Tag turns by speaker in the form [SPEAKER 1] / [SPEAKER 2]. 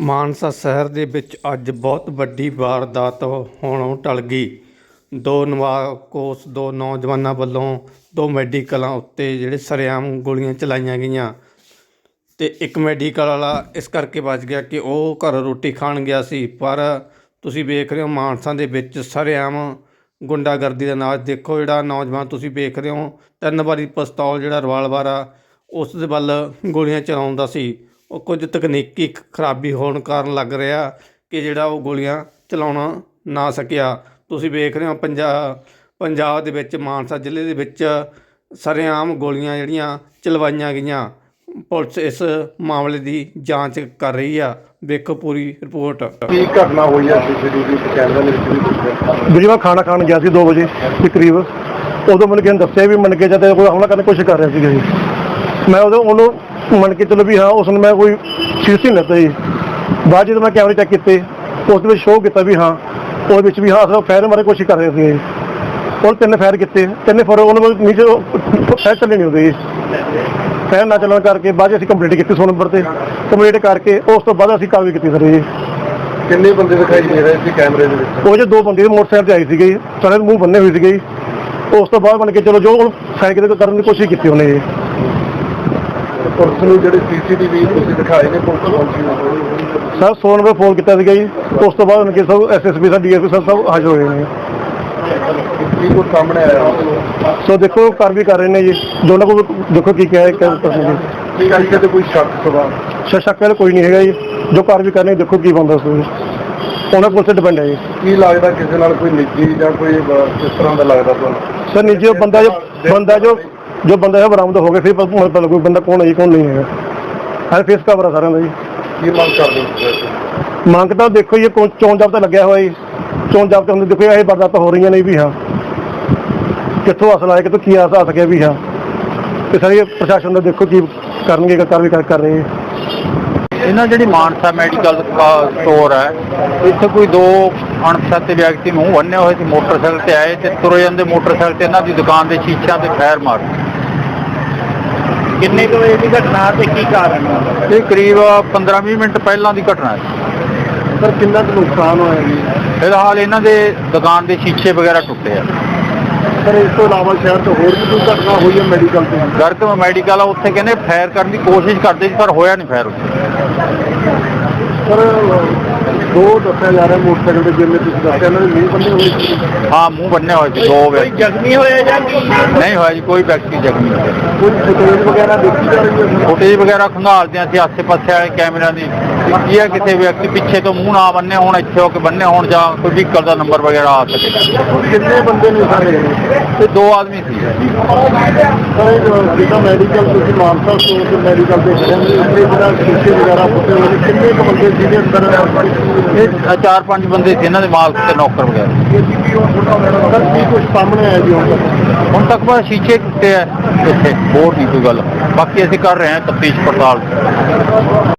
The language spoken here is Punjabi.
[SPEAKER 1] ਮਾਨਸਾ ਸ਼ਹਿਰ ਦੇ ਵਿੱਚ ਅੱਜ ਬਹੁਤ ਵੱਡੀ ਵਾਰਦਾਤ ਹੋਣੋਂ ਟਲ ਗਈ। ਦੋ ਨੌਜਵਾਨਾਂ ਵੱਲੋਂ ਦੋ ਮੈਡੀਕਲਾਂ ਉੱਤੇ ਜਿਹੜੇ ਸਰੇਆਮ ਗੋਲੀਆਂ ਚਲਾਈਆਂ ਗਈਆਂ ਅਤੇ ਇੱਕ ਮੈਡੀਕਲ ਵਾਲਾ ਇਸ ਕਰਕੇ ਬਚ ਗਿਆ ਕਿ ਉਹ ਘਰ ਰੋਟੀ ਖਾਣ ਗਿਆ ਸੀ। ਪਰ ਤੁਸੀਂ ਵੇਖ ਰਹੇ ਹੋ ਮਾਨਸਾ ਦੇ ਵਿੱਚ ਸਰੇਆਮ ਗੁੰਡਾਗਰਦੀ ਦਾ ਨਾਚ ਦੇਖੋ। ਜਿਹੜਾ ਨੌਜਵਾਨ ਤੁਸੀਂ ਵੇਖ ਰਹੇ ਹੋ 3 ਵਾਰੀ ਪਿਸਤੌਲ ਜਿਹੜਾ ਰਿਵਾਲਵਰ ਆ ਉਸ ਦੇ ਵੱਲ ਗੋਲੀਆਂ ਚਲਾਉਂਦਾ ਸੀ। ਉਹ ਕੁਝ ਤਕਨੀਕੀ ਖਰਾਬੀ ਹੋਣ ਕਾਰਨ ਲੱਗ ਰਿਹਾ ਕਿ ਜਿਹੜਾ ਉਹ ਗੋਲੀਆਂ ਚਲਾਉਣਾ ਨਾ ਸਕਿਆ। ਤੁਸੀਂ ਵੇਖ ਰਹੇ ਹੋ ਪੰਜਾਬ ਦੇ ਵਿੱਚ ਮਾਨਸਾ ਜ਼ਿਲ੍ਹੇ ਦੇ ਵਿੱਚ ਸਰੇਆਮ ਗੋਲੀਆਂ ਜਿਹੜੀਆਂ ਚਲਵਾਈਆਂ ਗਈਆਂ। ਪੁਲਿਸ ਇਸ ਮਾਮਲੇ ਦੀ ਜਾਂਚ ਕਰ ਰਹੀ ਆ। ਵੇਖੋ ਪੂਰੀ ਰਿਪੋਰਟ।
[SPEAKER 2] ਕੀ ਘਟਨਾ ਹੋਈ ਹੈ ਸੀਸੀਟੀਵੀ ਕੈਮਰੇ ਦੇ ਵਿੱਚ?
[SPEAKER 3] ਵੀਰੇ ਮੈਂ ਖਾਣਾ ਖਾਣ ਗਿਆ ਸੀ 2 ਵਜੇ ਦੇ ਕਰੀਬ। ਉਦੋਂ ਮੈਨੂੰ ਕਿਸੇ ਨੇ ਦੱਸਿਆ ਵੀ ਮੰਨ ਕੇ ਜਾਂਦੇ ਕੋਈ ਹਮਲਾ ਕਰਨ ਦੀ ਕੋਸ਼ਿਸ਼ ਕਰ ਰਿਹਾ ਸੀਗਾ ਜੀ। ਮੈਂ ਉਹਨੂੰ ਮੰਨ ਕੇ ਚਲੋ ਵੀ ਹਾਂ ਉਸ ਨੂੰ ਮੈਂ ਕੋਈ ਸੀਰੀਅਸ ਨਹੀਂ ਲੈਂਦਾ ਜੀ। ਬਾਅਦ ਜਦੋਂ ਮੈਂ ਕੈਮਰੇ ਚੈੱਕ ਕੀਤੇ ਉਸ ਦੇ ਵਿੱਚ ਸ਼ੋਅ ਕੀਤਾ ਵੀ ਹਾਂ ਉਹਦੇ ਵਿੱਚ ਵੀ ਹਾਂ ਫਾਇਰ ਮਾਰਨ ਦੀ ਕੋਸ਼ਿਸ਼ ਕਰ ਰਹੇ ਸੀ। ਉਹ 3 ਫਾਇਰ ਕੀਤੇ, 3 ਫਾਇਰ ਉਹਨਾਂ ਨੀਚੇ ਫਾਇਰ ਚੱਲੇ ਨਹੀਂ ਹੁੰਦੇ ਜੀ। ਫਾਇਰ ਨਾ ਚੱਲਣ ਕਰਕੇ ਬਾਅਦ ਅਸੀਂ ਕੰਪਲੀਟ ਕੀਤੀ 100 ਨੰਬਰ 'ਤੇ। ਕੰਪਲੀਟ ਕਰਕੇ ਉਸ ਤੋਂ ਬਾਅਦ ਅਸੀਂ ਕਾਰਵਾਈ ਕੀਤੀ ਸਰ ਜੀ।
[SPEAKER 2] ਕਿੰਨੇ ਬੰਦੇ ਦਿਖਾਈ ਦੇ ਰਹੇ ਸੀ ਕੈਮਰੇ ਦੇ ਵਿੱਚ?
[SPEAKER 3] ਉਹ 'ਚ 2 ਬੰਦੇ ਮੋਟਰਸਾਈਕਲ 'ਤੇ ਆਏ ਸੀਗੇ ਜੀ। ਸਾਰੇ ਮੂੰਹ ਬੰਨੇ ਹੋਏ ਸੀਗੇ ਜੀ। ਉਸ ਤੋਂ ਬਾਅਦ ਬਣ ਕੇ ਚਲੋ ਜੋ ਸਾਈਕਲ ਕਰਨ ਦੀ ਕੋਸ਼ਿਸ਼ ਕੀਤੀ ਉਹਨੇ ਜੀ।
[SPEAKER 2] ਪੁਲਿਸ ਨੂੰ ਜਿਹੜੇ ਸੀਸੀਟੀਵੀ ਤੁਸੀਂ ਦਿਖਾਏ ਨੇ ਪੁਲਿਸ ਪਹੁੰਚੀ
[SPEAKER 3] ਸਰ 100 ਨੰਬਰ ਫੋਨ ਕੀਤਾ ਸੀਗਾ ਜੀ। ਉਸ ਤੋਂ ਬਾਅਦ ਕਿ ਸਭ SSP ਸਾਹਿਬ DSP ਸਾਹਿਬ ਸਭ ਹਾਜ਼ਰ ਹੋਏ ਨੇ।
[SPEAKER 2] ਕੀ ਕੁਝ ਸਾਹਮਣੇ ਆਇਆ?
[SPEAKER 3] ਸੋ ਦੇਖੋ ਕਾਰਵਾਈ ਕਰ ਰਹੇ ਨੇ ਜੀ। ਦੋਨਾਂ ਕੋਲ ਦੇਖੋ ਕੀ ਕਿਹਾ
[SPEAKER 2] ਕੀ ਗੱਲ ਤੇ ਕੋਈ ਸ਼ੱਕ ਸਵਾਲ
[SPEAKER 3] ਸ਼ੱਕ ਵਾਲਾ ਕੋਈ ਨਹੀਂ ਹੈਗਾ ਜੀ। ਜੋ ਕਾਰਵਾਈ ਕਰਨੀ ਦੇਖੋ ਕੀ ਬਣਦਾ ਸੋ ਉਹਨਾਂ ਕੋਲ ਤੇ ਡਿਪੈਂਡ ਹੈ ਜੀ।
[SPEAKER 2] ਕੀ ਲੱਗਦਾ ਕਿਸੇ ਨਾਲ ਕੋਈ ਨਿੱਜੀ ਜਾਂ ਕੋਈ ਕਿਸ ਤਰ੍ਹਾਂ ਦਾ ਲੱਗਦਾ ਤੁਹਾਨੂੰ?
[SPEAKER 3] ਸਰ ਨਿੱਜੀ ਬੰਦਾ ਜੋ ਬੰਦਾ ਬਰਾਮਦ ਹੋ ਗਿਆ ਫਿਰ ਪਤਾ ਲੱਗੂ ਬੰਦਾ ਕੌਣ ਹੈ ਜੀ ਕੌਣ ਨਹੀਂ ਹੈਗਾ। ਹਰ ਫੇਸ ਕਵਰ ਆ ਸਾਰਿਆਂ ਦਾ ਜੀ।
[SPEAKER 2] ਕੀ ਮੰਗ ਕਰਦੇ ਹੋ?
[SPEAKER 3] ਮੰਗ ਤਾਂ ਦੇਖੋ ਜੀ ਚੋਣ ਜਾਬਤਾ ਲੱਗਿਆ ਹੋਇਆ ਜੀ। ਚੋਣ ਜਾਬਤੇ ਹੁੰਦੇ ਦੇਖੋ ਇਹ ਵਾਰਦਾਤਾਂ ਹੋ ਰਹੀਆਂ ਨੇ ਵੀ ਹਾਂ ਕਿੱਥੋਂ ਅਸਲ ਆਇਆ ਕਿੱਥੋਂ ਕੀ ਆ ਸਕਿਆ ਵੀ ਹਾਂ। ਤੇ ਸਾਰੇ ਪ੍ਰਸ਼ਾਸਨ ਦਾ ਦੇਖੋ ਕੀ ਕਰਨਗੇ ਕਾਰਵਾਈ ਕਰ ਰਹੇ।
[SPEAKER 4] ਇਹਨਾਂ ਜਿਹੜੀ ਮਾਨਸਾ ਮੈਡੀਕਲ ਸਟੋਰ ਹੈ ਇੱਥੇ ਕੋਈ 2 ਅਣਪਛਾਤੇ ਵਿਅਕਤੀ ਮੂੰਹ ਬੰਨੇ ਹੋਏ ਸੀ ਮੋਟਰਸਾਈਕਲ ਤੇ ਆਏ ਤੇ ਤੁਰੇ ਜਾਂਦੇ ਮੋਟਰਸਾਈਕਲ ਤੇ ਇਹਨਾਂ ਦੀ ਦੁਕਾਨ ਦੇ ਸ਼ੀਸ਼ਿਆਂ ਤੇ ਫਾਇਰ ਮਾਰੇ।
[SPEAKER 5] ਕਿੰਨੇ ਕੁ ਵਜੇ ਦੀ ਘਟਨਾ ਤੇ ਕੀ ਕਾਰਨ ਹੈ?
[SPEAKER 4] ਇਹ ਕਰੀਬ 15-20 ਮਿੰਟ ਪਹਿਲਾਂ ਦੀ ਘਟਨਾ ਹੈ।
[SPEAKER 2] ਸਰ ਕਿੰਨਾ ਕੁ ਨੁਕਸਾਨ ਹੋਇਆ ਜੀ?
[SPEAKER 4] ਫਿਲਹਾਲ ਇਹਨਾਂ ਦੇ ਦੁਕਾਨ ਦੇ ਸ਼ੀਸ਼ੇ ਵਗੈਰਾ ਟੁੱਟੇ ਆ।
[SPEAKER 2] ਸਰ ਇਸ ਤੋਂ ਇਲਾਵਾ ਸ਼ਹਿਰ ਤੋਂ ਹੋਰ ਵੀ ਕੋਈ ਘਟਨਾ ਹੋਈ ਹੈ ਮੈਡੀਕਲ ਤੇ?
[SPEAKER 4] ਗਰਗ ਮੈਡੀਕਲ ਆ ਉੱਥੇ ਕਹਿੰਦੇ ਫਾਇਰ ਕਰਨ ਦੀ ਕੋਸ਼ਿਸ਼ ਕਰਦੇ ਸੀ ਪਰ ਹੋਇਆ ਨਹੀਂ ਫਾਇਰ ਉੱਥੇ।
[SPEAKER 2] ਸਰ 2 ਦੱਸਿਆ ਜਾ ਰਿਹਾ ਮੋਟਰਸਾਈਕਲ ਤੇ ਜਿਵੇਂ ਤੁਸੀਂ ਦੱਸਿਆ ਇਹਨਾਂ ਦੇ ਮੂੰਹ ਬੰਨੇ ਹੋਏ ਸੀ।
[SPEAKER 4] ਹਾਂ ਮੂੰਹ ਬੰਨੇ ਹੋਏ ਸੀ 2 ਵਿਅਕਤੀ।
[SPEAKER 5] ਜ਼ਖਮੀ ਹੋਏ ਜਾਂ
[SPEAKER 4] ਨਹੀਂ ਹੋਇਆ ਜੀ ਕੋਈ ਵਿਅਕਤੀ ਜ਼ਖਮੀ ਨਹੀਂ ਹੋਇਆ।
[SPEAKER 2] ਕੋਈ ਫੁਟੇਜ ਵਗੈਰਾ ਦੇਖੀ ਜਾ ਰਹੀ ਹੈ?
[SPEAKER 4] ਫੁਟੇਜ ਵਗੈਰਾ ਖੰਗਾਲਦੇ ਅਸੀਂ ਆਸੇ ਪਾਸੇ ਵਾਲੇ ਕੈਮਰਿਆਂ ਦੀ ਕੀ ਹੈ ਕਿਸੇ ਵਿਅਕਤੀ ਪਿੱਛੇ ਤੋਂ ਮੂੰਹ ਨਾ ਬੰਨੇ ਹੋਣ ਇੱਥੇ ਹੋ ਕੇ ਬੰਨੇ ਹੋਣ ਜਾਂ ਕੋਈ ਵਹੀਕਲ ਦਾ ਨੰਬਰ ਵਗੈਰਾ ਆ ਸਕੇ।
[SPEAKER 2] ਕਿੰਨੇ ਬੰਦੇ ਨੇ ਸਾਰੇ?
[SPEAKER 4] ਇਹ 2 ਆਦਮੀ ਸੀ।
[SPEAKER 2] ਸਰ ਜਿਹੜਾ ਮੈਡੀਕਲ ਤੁਸੀਂ ਮਾਨਸਾ ਸਟੋਰ ਤੇ ਮੈਡੀਕਲ ਦੇ ਖੜੇ ਨੇ ਇੱਥੇ ਜਿਹੜਾ ਸ਼ੀਸ਼ੇ ਵਗੈਰਾ ਫੁੱਟੇ ਹੋਏ ਨੇ ਕਿੰਨੇ ਕੁ ਬੰਦੇ ਜਿਹਦੇ ਅੰਦਰ?
[SPEAKER 4] ਇਹ 4-5 ਬੰਦੇ ਸੀ ਇਹਨਾਂ ਦੇ ਮਾਲਕ ਤੇ ਨੌਕਰ ਵਗੈਰਾ।
[SPEAKER 2] ਸਰ ਕੀ ਕੁਝ ਸਾਹਮਣੇ ਆਇਆ ਜੀ
[SPEAKER 4] ਹੁਣ ਤੱਕ ਬਸ ਸ਼ੀਸ਼ੇ ਟੁੱਟੇ ਆ ਇੱਥੇ ਹੋਰ ਨਹੀਂ ਕੋਈ ਗੱਲ। ਬਾਕੀ ਅਸੀਂ ਕਰ ਰਹੇ ਹਾਂ ਤਫਤੀਸ਼ ਪੜਤਾਲ।